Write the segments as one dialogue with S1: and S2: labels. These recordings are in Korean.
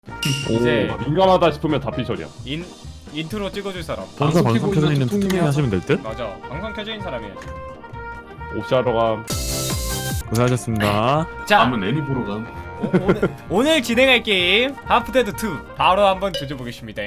S1: 이제
S2: 민감하다 싶으면 다 피셜이야.
S1: 인트로 찍어줄 사람.
S3: 본사 방송
S4: 켜고
S3: 켜져
S4: 있는
S3: 있는
S4: 툭툭이
S3: 툭툭이 하시면 될 듯?
S1: 맞아. 방송 켜져 있는 사람이야지.
S2: 옵시하러 감.
S3: 고생하셨습니다.
S1: 자,
S4: 남은 애니 보러 감.
S1: 오늘 진행할 게임 하프데드 2 바로 한번 조져보겠습니다.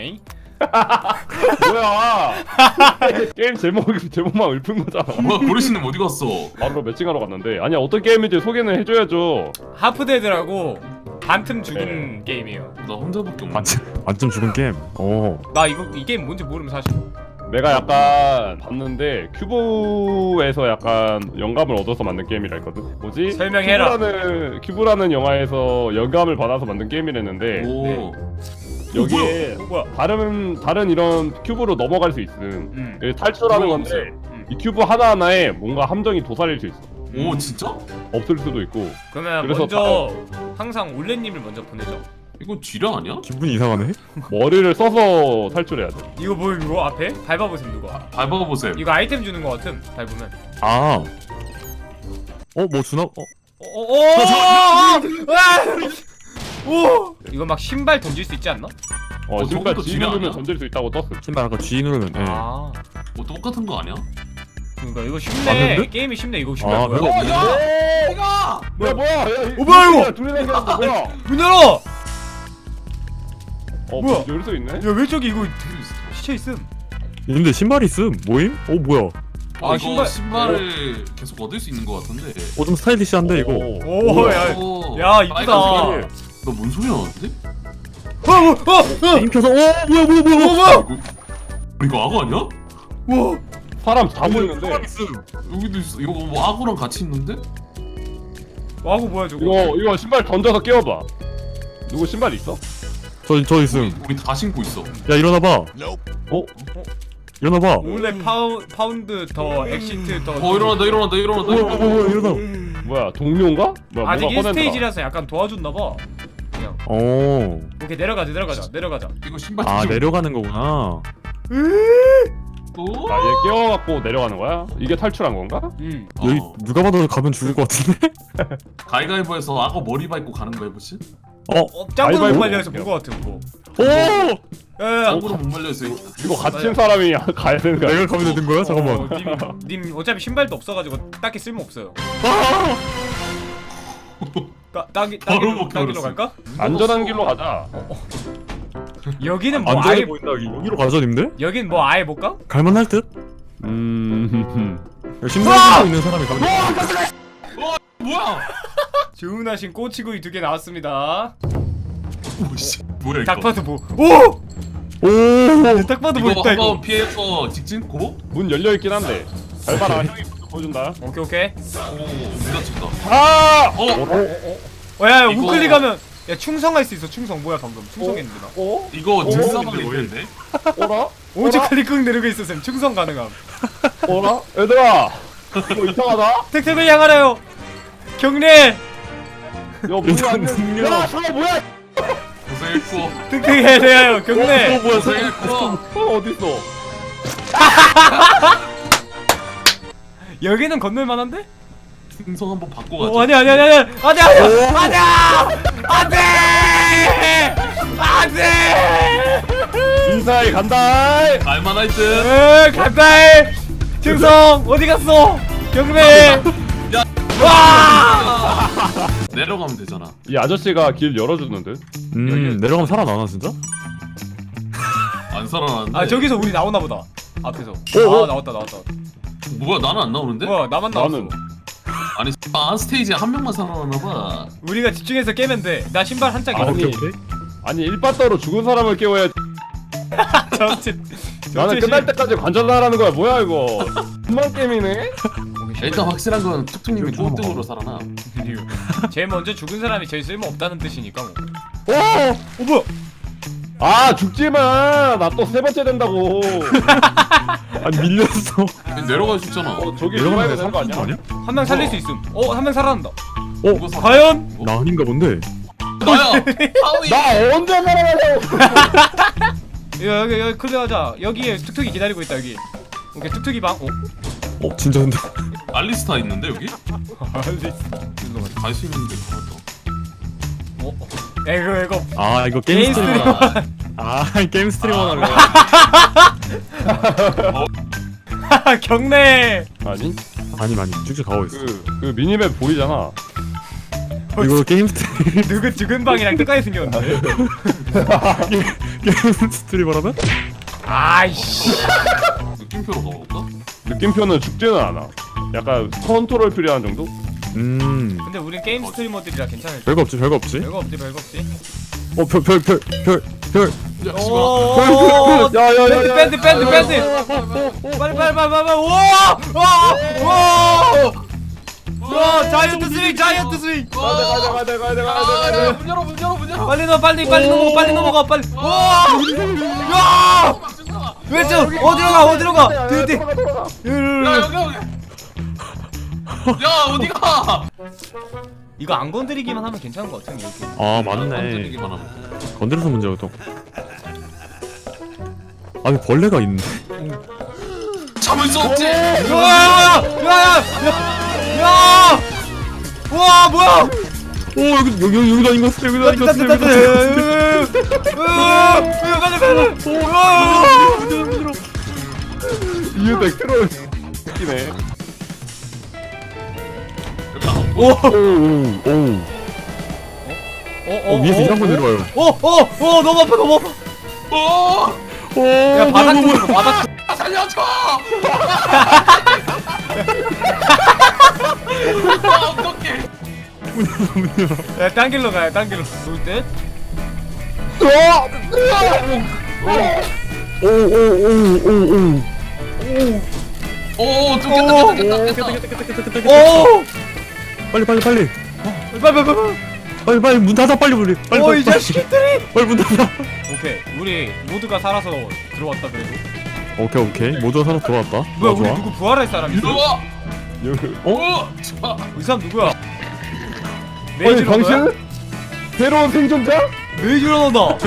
S2: 뭐야? 게임 제목만 읊은 거잖아.
S4: 뭐야 고르시는 어디 갔어?
S2: 바로 매칭하러 갔는데 아니야 어떤 게임인지 소개는 해줘야죠.
S1: 하프데드라고 반틈 죽은 게임이에요.
S4: 나 혼자밖에 없네.
S3: 완전 죽은 게임. 오.
S1: 나 이 게임 뭔지 모르면 사실.
S2: 내가 약간 봤는데 큐브에서 약간 영감을 얻어서 만든 게임이라 했거든. 뭐지?
S1: 설명해라.
S2: 큐브라는 영화에서 영감을 받아서 만든 게임이랬는데
S4: 오.
S2: 여기에
S1: 뭐야?
S2: 다른 이런 큐브로 넘어갈 수 있음. 여기 탈출하는
S4: 뭐야,
S2: 건데 이 큐브 하나하나에 뭔가 함정이 도사릴 수 있어.
S4: 오 진짜?
S2: 없을 수도 있고.
S1: 그러면
S2: 그래서
S1: 먼저 항상 올레님을 먼저 보내죠.
S4: 이거 쥐라 아니야?
S3: 기분이 이상하네?
S2: 머리를 써서 탈출해야 돼.
S1: 이거 뭐 이거 앞에 밟아보세요 누가.
S4: 밟아보세요.
S1: 이거 아이템 주는 거 같음. 밟으면.
S3: 아. 뭐 주나?
S1: 오! 이거 막 신발 던질 수 있지 않나?
S2: 신발
S4: 저것도
S2: G
S4: 지뢰
S2: 누르면
S4: 아니야?
S2: 던질 수 있다고 떴어.
S3: 신발 아까 G 누르면 예.
S1: 아,
S4: 뭐 똑같은 거 아니야?
S1: 그러니까 이거
S3: 아,
S1: 쉽네.
S3: 근데?
S1: 게임이 쉽네. 이거 신발
S3: 아,
S1: 뭐야?
S3: 별거 없네.
S2: 뭐야?
S1: 뭐야, 이거?
S2: 둘이 생겼는데 뭐야?
S1: 문 열어!
S2: 뭐야? 열 수 있네?
S1: 야, 왜 저기 이거 시체 있음?
S3: 근데 신발이 있음. 모임? 뭐야?
S1: 아,
S4: 이거 신발을 계속 얻을 수 있는 거 같은데.
S3: 좀 스타일리시한데 이거.
S1: 오, 야,
S4: 오,
S1: 야, 이쁘다.
S4: 빨간색이야. 너뭔 소리 나는데?
S3: 게임 켜서 뭐야?
S4: 이거 악어 아니야?
S1: 와,
S2: 사람 다 보이는데
S4: 여기도 있어. 이거 뭐 악어랑 같이 있는데?
S1: 와구 뭐야 저거?
S2: 이거 신발 던져서 깨워봐. 누구 신발 있어?
S3: 저 있음.
S4: 우리 다 신고 있어.
S3: 야 일어나봐. 일어나봐.
S1: 원래 파운드 더 엑시트 더.
S4: 일어난다.
S3: 일어나.
S2: 뭐야 동료인가? 뭐야
S1: 아직
S2: 뭐가 꺼낸다.
S1: 1스테이지라서 약간 도와줬나 봐. 그냥.
S3: 오.
S1: 오케이 내려가자.
S4: 이거 신발
S3: 아
S4: 뒤집어.
S3: 내려가는 거구나.
S4: 또?
S2: 얘 깨워갖고 내려가는 거야? 이게 탈출한 건가?
S1: 응.
S3: 여기 누가 봐도 가면 죽을 것 같은데?
S4: 가위가위보에서 악어 머리 밟고 가는 거 해보시?
S1: 짱구는 못
S2: 가위바위보?
S1: 말려서 본거 같은 거.
S3: 오!
S1: 야,
S4: 악어로 못 말려서
S2: 이거 갇힌 사람이 가야 되는 거야?
S3: 내가 가면 되는 거야? 잠깐만.
S1: 님 어차피 신발도 없어가지고 딱히 쓸모 없어요.
S4: 바로
S1: 땅길로
S4: 먹혀버렸어.
S1: 갈까?
S2: 안전한 길로 가자.
S1: 여기는 뭐
S3: 안전해
S1: 아예
S3: 보인다 여기. 여기로 가자 님들?
S1: 여긴 뭐 아예 못 가?
S3: 갈만할 듯? 신발 신고 있는 사람이 가면 돼.
S4: 뭐야?
S1: 주문하신 꼬치구이 2개 나왔습니다.
S4: 오씨 뭐야 이거?
S1: 딱 봐도 뭐? 오!
S3: 오!
S1: 딱 봐도 뭐
S4: 이거
S1: 있다
S4: 한번
S1: 이거.
S4: 피해서 직진 고?
S2: 문 열려 있긴 한데. 잘 봐라. 형이 먼저 보여준다.
S1: 오케이.
S4: 문 닫힌다.
S2: 아!
S1: 야
S4: 이거-
S1: 우클릭하면 야 충성할 수 있어. 충성 뭐야 방금 충성했는데 나.
S4: 이거 직사방에 있는데?
S2: 어라?
S1: 오직 클릭 꾹 누르고 있었음. 충성 가능함.
S2: 어라? 얘들아! 이거 이상하다?
S1: 택택을 향하라요. 경례.
S2: 이거 문이 안 돼.
S3: 능력.
S2: 야, 저거 뭐야?
S4: 고생했고.
S1: 택택에 대하여 경례.
S3: 뭐야?
S4: 고생했고.
S2: 어딨어?
S1: 여기는 건널 만한데?
S4: 승성 한번 바꿔 가자.
S1: 아니야.
S2: 인사해 간다!
S4: 알만할 듯.
S1: 간다. 충성 어디 갔어? 경례. 와!
S4: 내려가면 되잖아.
S2: 이 아저씨가 길 열어주는 듯?
S3: 내려가면 살아나나 진짜?
S4: 안 살아났는데.
S1: 아 저기서 우리 나오나 보다. 앞에서.
S2: 오.
S1: 아 나왔다.
S4: 뭐야 나는 안 나오는데?
S1: 뭐야 나만 나왔어.
S2: 나는
S4: 아니 한 스테이지에 한 명만 살아났나 봐.
S1: 우리가 집중해서 깨면 돼. 나 신발 한 짝.
S2: 아니.
S1: 입을게.
S3: 오케이.
S2: 아니 일바따로 죽은 사람을 깨워야 나는 끝날 때까지 관전하라는 거야 뭐야 이거 금방 게임이네?
S4: 일단 확실한 건 툭툭님이 꼴등으로 살아나.
S1: 제일 먼저 죽은 사람이 제일 쓸모 없다는 뜻이니까 뭐.
S2: 뭐야? 아 죽지마 나 또 세 번째 된다고
S3: 아니 밀렸어.
S4: 내려갈 수 있잖아.
S2: 저기
S3: 내려가면
S2: 죽어야 되는 거 아니야?
S1: 한 명 살릴 수 있음. 한 명 살아난다.
S4: 누가 살아?
S1: 과연?
S3: 나 아닌가 본데.
S4: 나야. 하위.
S2: 나 언제 살아나냐고
S1: 여기 클리어하자. 여기에 툭툭이 기다리고 있다 여기. 오케이 툭툭이 방.
S3: 진짜 근데.
S4: 알리스타 있는데 여기?
S1: 알리스.
S4: 갈 수 있는데 가봤다.
S1: 이거
S3: 아 이거 게임
S1: 게임
S3: 스트리머. 아 게임 스트리머 하려고.
S1: 경례.
S2: 아니
S3: 아니 쭉쭉 가고 있어.
S2: 그 미니맵 보이잖아.
S3: 이거 게임 스트리
S1: 누구 죽은 방이랑 똑같이 생겼는데.
S3: 게임 스트리머라면?
S1: 아이씨.
S4: 느낌표로 가볼까?
S2: 느낌표는 죽지는 않아. 약간 컨트롤 필요한 정도?
S1: 근데 우린 게임 스트리머들이라 괜찮을 듯.
S3: 별거 없지 별거 없지.
S1: 별거 없지 별거 없지.
S3: 별.
S4: 야 씨발.
S1: 오.
S2: 야야야야.
S1: 밴드. 빨리. 와 자이언트 스윙.
S4: 가자. 문 열어.
S1: 빨리 넘어가 빨리. 와. 야. 왼쪽 어디로 가? 뒤.
S4: 야 여기. 야 어디가?
S1: 이거 안 건드리기만 하면 괜찮은 것 같은데 이렇게.
S3: 아 맞네.
S4: 건드리기만 하면.
S3: 건드려서 문제가 또. 아니 벌레가 있네.
S4: 참을 수 없지.
S1: 야! 와 뭐야?
S3: 오 여기도 아닌 것 같아. 여기도 아닌 것 같아.
S1: 빨리.
S2: 이유 백트롤 웃기네.
S3: 오. 위에서 이런 거 내려와요.
S1: 너무 아파. 야 바닥 좀 바닥.
S4: 살려줘. 어떡해.
S1: 야 딴길로 가요 딴길로. 누울 듯?
S4: 오 좀 깼다.
S1: 오!
S3: 빨리 문 닫아 빨리.
S1: 이 자식들이!
S3: 빨리 문 닫아.
S1: 오케이 우리 모두가 살아서 들어왔다 그래도.
S3: 오케이 모두가 살아 돌아왔다.
S1: 뭐야 우리
S3: 좋아.
S1: 누구 부활할 사람 있어?
S4: 들어와.
S3: 어?
S1: 이 사람 누구야?
S2: 아니
S1: 메이지로
S2: 당신? 새로운 생존자?
S1: 메이지로 나온다.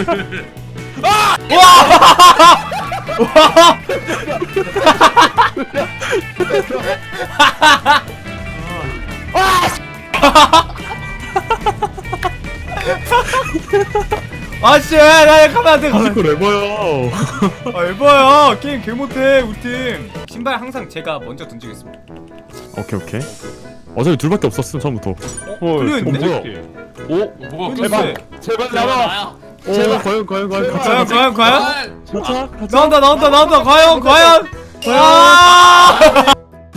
S1: 아씨 나 가면 안돼 가면
S3: 이거 레버야.
S1: 아 에바야 게임 개 못해 우리 팀. 신발 항상 제가 먼저 던지겠습니다.
S3: 오케이. 어차피 둘밖에 없었음 처음부터.
S1: 클리어인데?
S3: 뭐야?
S4: 뭐가
S1: 근데
S2: 제발
S4: 나와.
S2: 나와.
S3: 오 과연
S1: 과연
S3: 가자.
S1: 나온다 과연 아!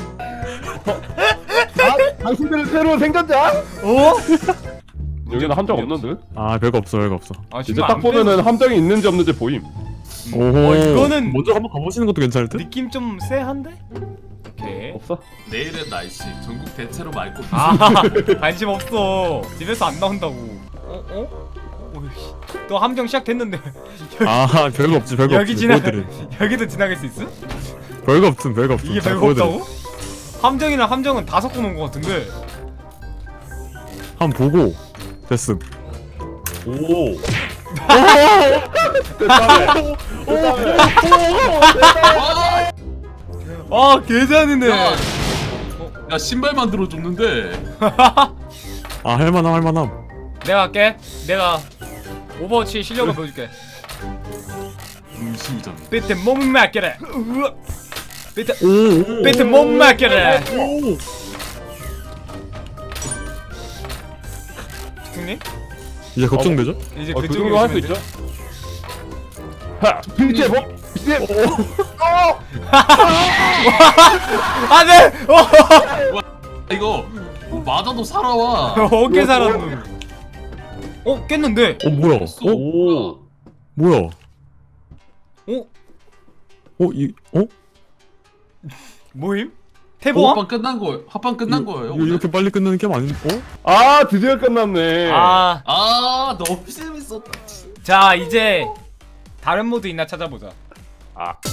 S2: 당신들은 새로운 생존자?
S1: 어?
S2: 여기는 함정 없는데?
S3: 아 별거 없어.
S1: 아
S2: 이제 딱 보면은 함정이 있는지 없는지 보임.
S3: 오호.
S1: 이거는
S3: 먼저 한번 가보시는 것도 괜찮을 듯?
S1: 느낌 좀 쎄한데? 오케이.
S2: 없어?
S4: 내일은 날씨 전국 대체로 맑고
S1: 아 관심 없어. 집에서 안 나온다고. 오이씨. 또 함정 시작됐는데
S3: 아 별거 없지.
S1: 여기 지나
S3: 보여드림.
S1: 여기도 지나갈 수 있어?
S3: 별거 없음.
S1: 이게
S3: 자,
S1: 별거
S3: 보여드림.
S1: 없다고? 함정이랑 함정은 다 섞어놓은 것 같은데.
S3: 한번 보고 됐음.
S2: 오.
S1: 아 개잔이네.
S4: 야 신발 만들어 줬는데.
S3: 아 할만함.
S1: 내가 할게. 내가 오버워치 실력을 보여줄게.
S4: 음식이잖아.
S1: 비트 못 맡겨라. 비트
S3: 오.
S1: 비트 못 맡겨라. 형님
S3: 이제 걱정되죠?
S1: 이제
S2: 그
S1: 그쪽으로
S2: 정도 할 수
S1: 오시면
S2: 있죠?
S1: 돼.
S2: 하! 빌제 뭐? 빌제!
S1: 안돼.
S4: 이거 뭐 맞아도 살아와.
S1: 어깨 살았노. 깼는데.
S3: 뭐야?
S2: 오.
S3: 뭐야?
S1: 어? 모임? 태보왕?
S4: 합방 끝난 거예요.
S3: 이거 이렇게 빨리 끝나는 게임 아닌?
S2: 아 드디어 끝났네.
S4: 너무 재밌었다.
S1: 자 이제 다른 모드 있나 찾아보자.
S2: 아.